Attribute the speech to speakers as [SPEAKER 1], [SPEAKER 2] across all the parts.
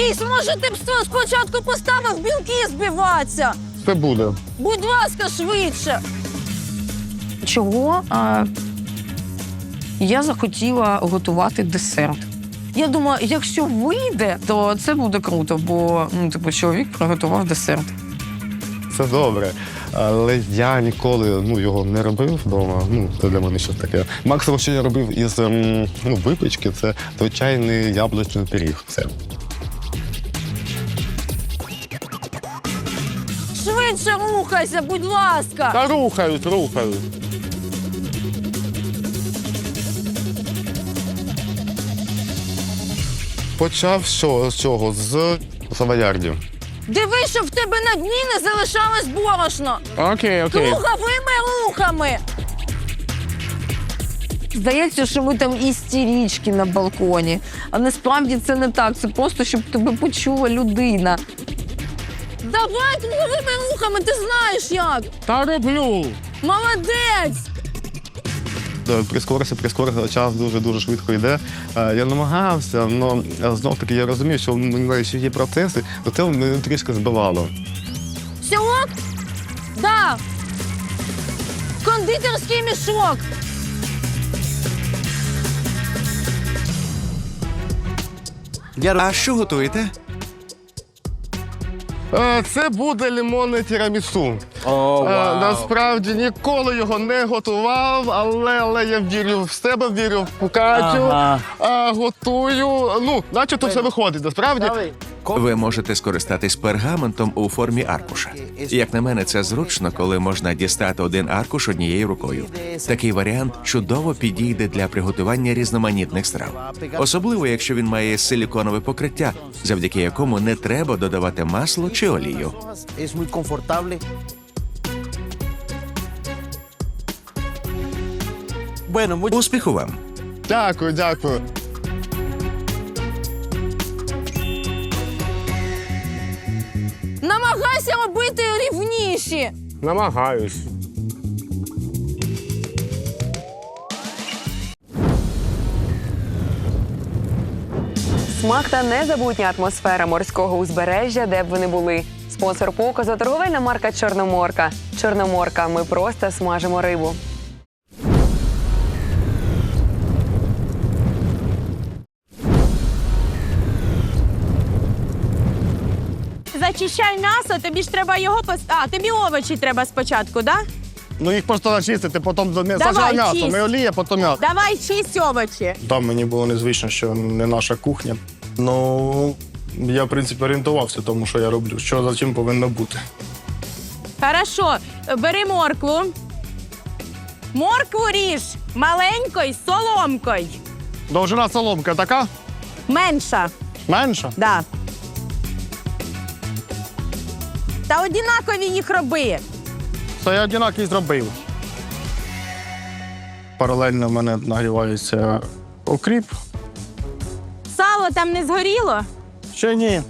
[SPEAKER 1] Ріс, може ти б спочатку поставив білки збиватися?
[SPEAKER 2] Це буде.
[SPEAKER 1] Будь ласка, швидше.
[SPEAKER 3] Чого я захотіла готувати десерт. Я думаю, якщо вийде, то це буде круто, бо чоловік приготував десерт.
[SPEAKER 2] Це добре. Але я ніколи його не робив вдома. Це для мене щось таке. Максимум, що я робив із випічки, це звичайний яблучний пиріг. Все.
[SPEAKER 1] Швидше рухайся, будь ласка.
[SPEAKER 2] Та рухаюсь. Почав з чого? З савоярдів.
[SPEAKER 1] Дивись, щоб в тебе на дні не залишалось борошно.
[SPEAKER 2] Окей.
[SPEAKER 1] Круговими рухами.
[SPEAKER 3] Здається, що ми там істерички на балконі. А насправді це не так. Це просто, щоб тебе почула людина.
[SPEAKER 1] Давай круговими рухами, ти знаєш як.
[SPEAKER 2] Та роблю.
[SPEAKER 1] Молодець.
[SPEAKER 2] Прискорився, час дуже швидко йде. Я намагався, але знов-таки я розумію, що в мене ще є процеси, то це мене трішки збивало.
[SPEAKER 1] Все ок? Да. Кондитерський мішок.
[SPEAKER 4] А що готуєте?
[SPEAKER 2] Це буде лимонне тірамісу. Насправді ніколи його не готував, але я вірю в себе, вірю в Катю, готую. Начебто все виходить, насправді.
[SPEAKER 4] Ви можете скористатись пергаментом у формі аркуша. Як на мене, це зручно, коли можна дістати один аркуш однією рукою. Такий варіант чудово підійде для приготування різноманітних страв. Особливо, якщо він має силіконове покриття, завдяки якому не треба додавати масло чи олію. Успіху вам!
[SPEAKER 2] Дякую.
[SPEAKER 1] Намагайся робити рівніші.
[SPEAKER 2] Намагаюсь.
[SPEAKER 5] Смак та незабутня атмосфера морського узбережжя, де б ви не були. Спонсор показу – торговельна марка «Чорноморка». «Чорноморка» – ми просто смажимо рибу.
[SPEAKER 1] Зачищай м'ясо, тобі ж треба його тобі овочі треба спочатку, да?
[SPEAKER 2] Їх просто начистити, потім
[SPEAKER 1] Давай,
[SPEAKER 2] м'ясо,
[SPEAKER 1] чисть.
[SPEAKER 2] не олія, потім м'ясо.
[SPEAKER 1] Давай чисть овочі.
[SPEAKER 6] Там мені було незвично, що не наша кухня. Я, в принципі, орієнтувався тому, що я роблю. Що за чим повинно бути.
[SPEAKER 1] Хорошо, бери моркву. Моркву ріж маленькою соломкою.
[SPEAKER 2] Довжина соломка така?
[SPEAKER 1] Менша,
[SPEAKER 2] Менша?
[SPEAKER 1] да. Та однакові їх роби.
[SPEAKER 2] Це я однаково зробив.
[SPEAKER 6] Паралельно в мене нагрівається окріп.
[SPEAKER 1] Сало там не згоріло?
[SPEAKER 6] Ще ні.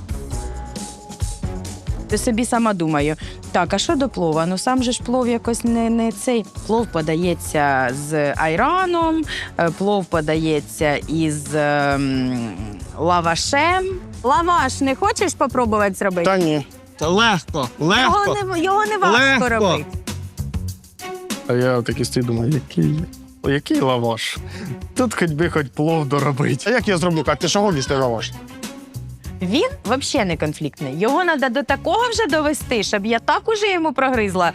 [SPEAKER 7] Ти собі сама думаю, так, а що до плова? Сам же ж плов якось не цей. Плов подається з айраном, плов подається із лавашем.
[SPEAKER 1] Лаваш не хочеш попробувати зробити?
[SPEAKER 6] Та ні.
[SPEAKER 2] Це легко.
[SPEAKER 1] Його не важко робити.
[SPEAKER 6] А я такий стій думаю, який лаваш? Тут хоч плов доробити. А як я зроблю, Кать? Ти що гониш, ти лаваш?
[SPEAKER 7] Він взагалі не конфліктний. Його треба до такого вже довести, щоб я так уже йому прогризла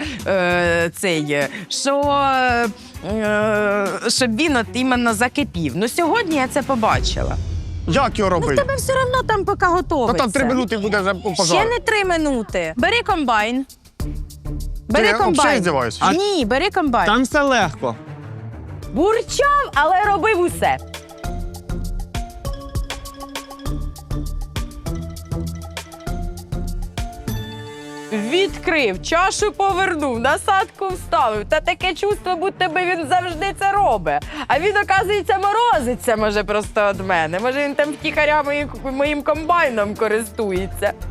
[SPEAKER 7] щоб він іменно закипів. Сьогодні я це побачила.
[SPEAKER 6] Як його робити?
[SPEAKER 1] Тебе все одно там поки готовиться.
[SPEAKER 6] Там 3 минути буде вже
[SPEAKER 1] Ще
[SPEAKER 6] пожар.
[SPEAKER 1] не 3 минути. Бери комбайн. Бери
[SPEAKER 6] я взагалі
[SPEAKER 1] комбайн.
[SPEAKER 6] здіваюся?
[SPEAKER 1] Ні, бери комбайн.
[SPEAKER 2] Там все легко.
[SPEAKER 1] Бурчав, але робив усе.
[SPEAKER 3] Відкрив, чашу повернув, насадку вставив. Та таке чувство, будто би він завжди це робить. А він, оказується, морозиться, може, просто від мене. Може, він там втіхаря моїм комбайном користується.